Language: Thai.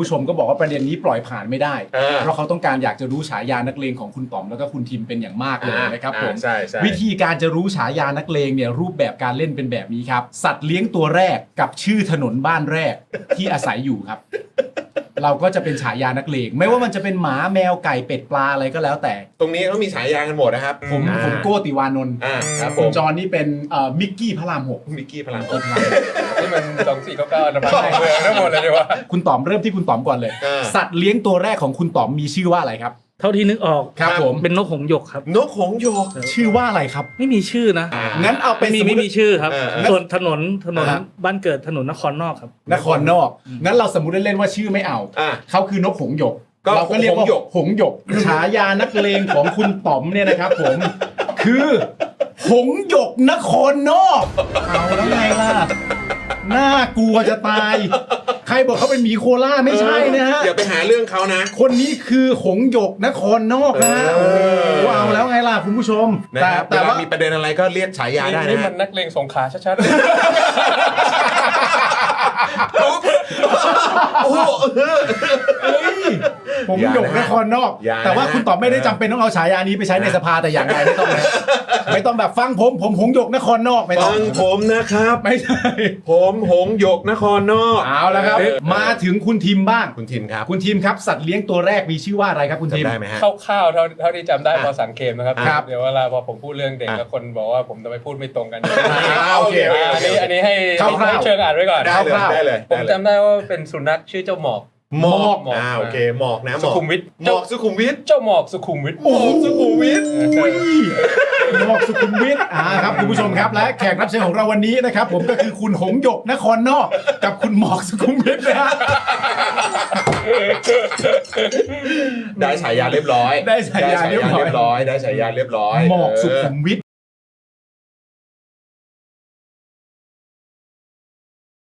ผู้ชมก็บอกว่าประเด็นนี้ปล่อยผ่านไม่ได้อ่าเพราะเขาต้องการอยากจะรู้ฉายานักเลงของคุณต๋อมแล้วก็คุณทิมเป็นอย่างมากเลยนะครับผมใช่ใช่วิธีการจะรู้ฉายานักเลงเนี่ยรูปแบบการเล่นเป็นแบบนี้ครับสัตว์เลี้ยงตัวแรกกับชื่อถนนบ้านแรกที่อาศัยอยู่ครับ เราก็จะเป็นฉายานักเลงไม่ว่ามันจะเป็นหมาแมวไก่เป็ดปลาอะไรก็แล้วแต่ตรงนี้เขามีฉายากันหมดนะครับผมโก้ติวานนท์ครับผคุณมจอห์นนี่เป็นมิกกี้พระรามหกมิกกี้พลังที่มัน2499นะพันเมืองทั้งหมดเลยดีว่าคุณต๋อมเริ่มที่คุณต๋อมก่อนเลย สัตว์เลี้ยงตัวแรกของคุณต๋อมมีชื่อว่าอะไรครับเท่าที่นึกออกครับผมเป็นนกหงส์หยกครับนกหงส์หยกชื่อว่าอะไรครับไม่มีชื่อนะงั้นเอาเป็นไม่มีชื่อครับเออส่วนถนนครับบ้านเกิดถนนนครนอกครับนครนอก งั้นเราสมมุติเล่นๆว่าชื่อไม่เอาอ่าเขาคือนกหงส์หยกก็เราก็เรียกว่าหงส์หยกหงส์หยก ฉายานักเลงของคุณต๋อมเนี่ยนะครับผม คือหงส์หยกนครนอก เอาแล้วไงล่ะ น่ากลัวจะตาย ใครบอกเขาเป็นหมีโคล่าไม่ใช่นะฮะอย่าไปหาเรื่องเขานะคนนี้คือหงส์หยกนครนอกนะฮะเอโอ้อโหเอาแล้วไงล่ะคุณผู้ชมนะครับแต่เวลาว่ามีประเด็นอะไรก็เรียกฉายาได้นี่นะมันนักเลงสงขลาชัดโอ้โหหงส์หยกนครนอกอย่านะแต่ว่าคุณต๋อมไม่ได้จำเป็นต้องเอาฉายานี้ไปใช้ในสภาแต่อย่างใดไม่ต้องนะไม่ต้องแบบฟังผมหงส์หยกนครนอกไม่ต้ฟัองงผมนะครับไม่ใช่ผมหงส์หยกนครนอกเอาแล้วครับ มาถึงคุณทีมบ้างคุณทิมครับคุณทีมครับสัตว์เลี้ยงตัวแรกมีชื่อว่าอะไรครับคุณทีมจำได้ไหมฮะๆคร่าวๆเท่าที่จำได้พอสันเกมนะครับครับเดี๋ยวเวลาพอผมพูดเรื่องเด็กอ่ะแล้วคนบอกว่าผมทำไมพูดไม่ตรงกันโอเคอันนี้ให้คร่าวๆเชิงอ่านไว้ก่อนได้เลยคร่าวๆได้เลยผมจำได้ว่าเป็นสุนัขชื่อเจ้าหมอกหมอกหมอกโอเคหมอกนะหมสุอกขุมวิทหมอกสุขุมวิทเจ้าหมอกสุขุมวิทหมอกสุขุมวิทหมอกสุขุมวิทครับคุณผู้ชมครับและแขกรับเชิญของเราวันนี้นะครับ ผมก็คือคุณหงส์หยกนครนอก กับคุณหมอกสุขุมวิทนะฮะได้ฉายาเรียบร้อยได้ฉายาเรียบร้อยได้ฉายาเรียบร้อยหมอกสุขุมวิท